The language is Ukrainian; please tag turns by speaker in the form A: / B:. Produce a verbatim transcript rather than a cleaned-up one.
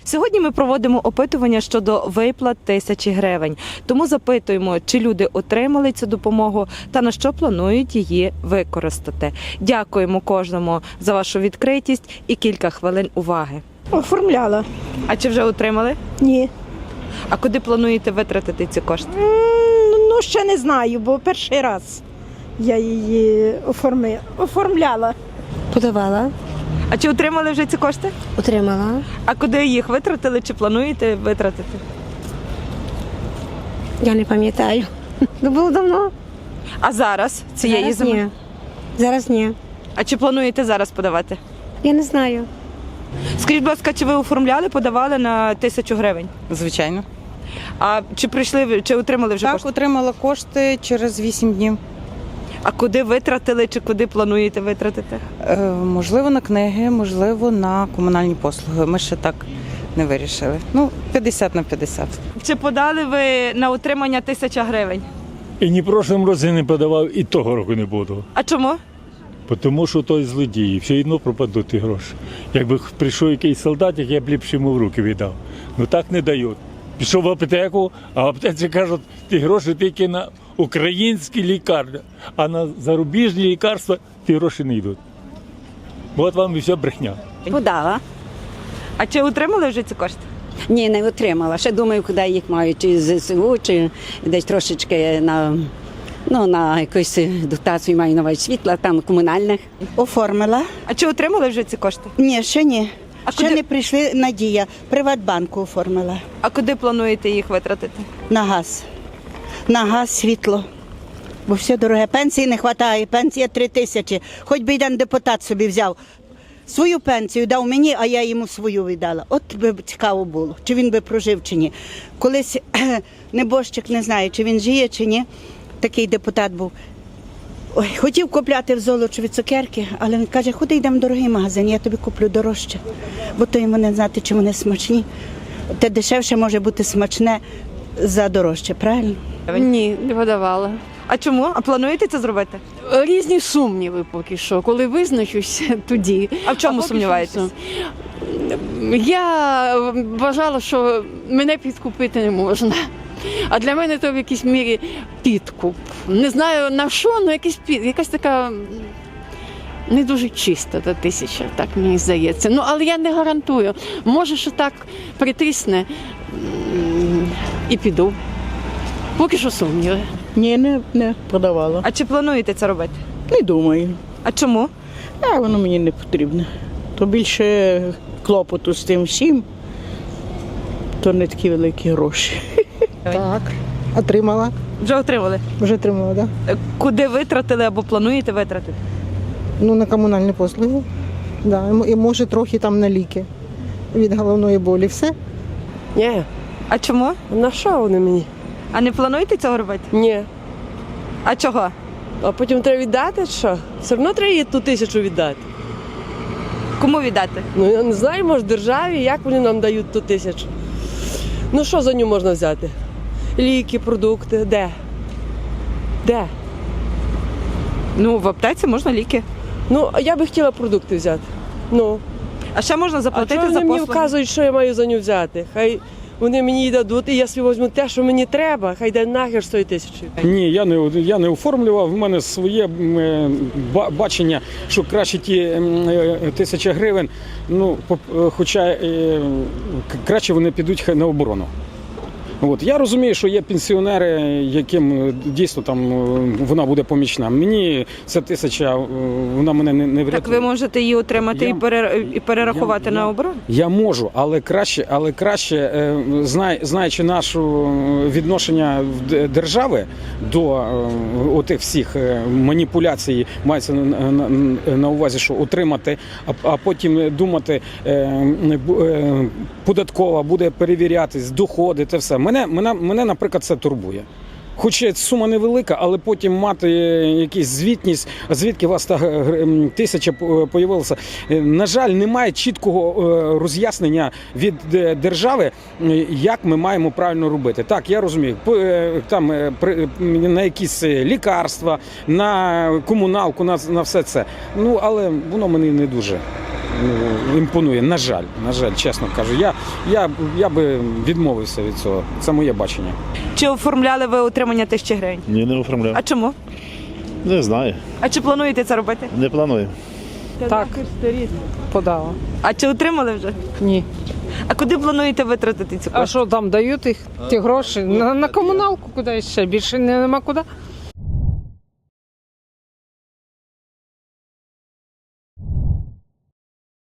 A: Сьогодні ми проводимо опитування щодо виплат тисячі гривень. Тому запитуємо, чи люди отримали цю допомогу та на що планують її використати. Дякуємо кожному за вашу відкритість і кілька хвилин уваги.
B: Оформляла.
A: А чи вже отримали?
B: Ні.
A: А куди плануєте витратити ці кошти?
B: М, Ну, ще не знаю, бо перший раз я її оформи... оформляла.
C: Подавала,
A: А чи отримали вже ці кошти?
C: отримала.
A: А куди їх витратили, чи плануєте витратити?
C: Я не пам'ятаю. Це було давно.
A: А зараз цієї
C: Зараз
A: зими?
C: ні. Зараз ні.
A: А чи плануєте зараз подавати?
C: Я не знаю.
A: Скажіть, будь ласка, чи ви оформляли, подавали на тисячу гривень?
D: Звичайно.
A: А чи прийшли, ви- чи отримали вже
D: Так,
A: кошти?
D: отримала кошти через вісім днів.
A: А куди витратили, чи куди плануєте витратити?
D: Е, можливо, на книги, можливо, на комунальні послуги. Ми ще так не вирішили. Ну, п'ятдесят на п'ятдесят.
A: Чи подали ви на отримання тисяча гривень?
E: І ні в прошлому році не подавав, і того року не буду.
A: А чому?
E: Тому що той злодії, все одно пропадуть ті гроші. Якби прийшов якийсь солдатик, я б ліпше йому в руки віддав. Ну так не дають. Пішов в аптеку, а в аптеці кажуть, ті гроші тільки на українські лікарні, а на зарубіжні лікарства ті гроші не йдуть. От вам і все брехня.
F: Подала.
A: А чи отримали вже ці кошти?
F: Ні, не отримала. Ще думаю, куди їх маю, чи з ЗСУ, чи десь трошечки на, ну, на якусь дотацію маю на увазі світла, там комунальних.
G: Оформила.
A: А чи отримали вже ці кошти?
G: Ні, ще ні.
A: А
G: ще
A: куди-
G: не прийшли Надія. Приватбанку оформила.
A: А куди плануєте їх витратити?
G: На газ. На газ, світло. Бо все дороге. Пенсії не вистачає. Пенсія три тисячі. Хоч би один депутат собі взяв. Свою пенсію дав мені, а я йому свою віддала. От би цікаво було, чи він би прожив, чи ні. Колись небожчик, не знаю, чи він жиє, чи ні. Такий депутат був. Ой, хотів купляти в Золочеві цукерки, але він каже, ходи йдемо в дорогий магазин, я тобі куплю дорожче. Бо то йому не знати, чи вони смачні. Те дешевше може бути смачне за дорожче, правильно?
H: Ні, не подавала.
A: А чому? А плануєте це зробити?
H: Різні сумніви поки що. Коли визначусь, тоді.
A: А в чому
H: поки
A: сумніваєтесь?
H: що сум- Я вважала, що мене підкупити не можна. А для мене то в якійсь мірі підкуп. Не знаю на що, але якийсь під, якась така не дуже чиста та тисяча, так мені здається. Ну, але я не гарантую. Може, що так притисне м, і піду. Поки що сумніви.
I: Ні, не, не подавала.
A: А чи плануєте це робити?
I: Не думаю.
A: А чому?
I: А воно мені не потрібно. То більше клопоту з тим всім, то не такі великі гроші.
B: Так. Отримала.
A: Вже отримали.
B: Вже отримала, так? Да?
A: Е, Куди витратили або плануєте витратити?
B: Ну, на комунальні послуги. Да. І може трохи там на ліки від головної болі. Все.
J: Ні,
A: А чому?
J: на що вони мені?
A: А не плануєте цього робити?
J: Ні.
A: А чого?
J: А потім треба віддати, що? Все одно треба їй ту тисячу віддати.
A: Кому віддати?
J: Ну я не знаю, може державі, як вони нам дають ту тисячу. Ну що за нього можна взяти? Ліки, продукти, де? Де?
A: Ну, в аптеці можна ліки.
J: Ну, а я би хотіла продукти взяти. Ну,
A: А ще можна
J: а
A: заплатити
J: чого
A: за
J: вони мені
A: послуги.
J: вказують, що я маю за нього взяти? Хай вони мені її дадуть, і я собі візьму те, що мені треба, хай йде нахер з тої тисячі.
K: Ні, я не я не оформлював. В мене своє м, е, ба- бачення, що краще ті м, е, тисяча гривень. Ну, поп- е, хоча е, к- краще вони підуть хай на оборону. От я розумію, що є пенсіонери, яким е, дійсно там е, вона буде помічна. Мені ця тисяча, е, вона мене не, не врятує.
A: Так ви можете її отримати
K: Я-
A: і, пере... і перерахувати
K: я-
A: на
K: я-
A: оборону?
K: Я можу, але краще, але краще, е, знай, знаючи нашу відношення в д- держави до е, отих всіх е, маніпуляцій, мається на, на, на увазі, що отримати, а, а потім думати, е, бу- е, податкова буде перевірятись, доходи, те все. Мене, мене, мене, наприклад, це турбує. Хоч сума невелика, але потім мати якусь звітність, звідки у вас та гр- тисяча появилася. На жаль, немає чіткого е, роз'яснення від е, держави, е, як ми маємо правильно робити. Так, я розумію, по- е, там е, при- на якісь лікарства, на комуналку, на, на все це. Ну, але воно мені не дуже. ну, імпонує. На жаль, на жаль, чесно кажу. Я, я, я би відмовився від цього. Це моє бачення.
A: Чи оформляли ви отримання тисячі гривень?
L: Ні, не оформляв.
A: А чому?
L: Не знаю.
A: А чи плануєте це робити?
L: Не планую.
I: Так, подала.
A: А чи отримали вже?
I: Ні.
A: А куди плануєте витратити ці кошти?
I: А що там дають їх ті гроші? На, на комуналку куди ще? Більше нема куди.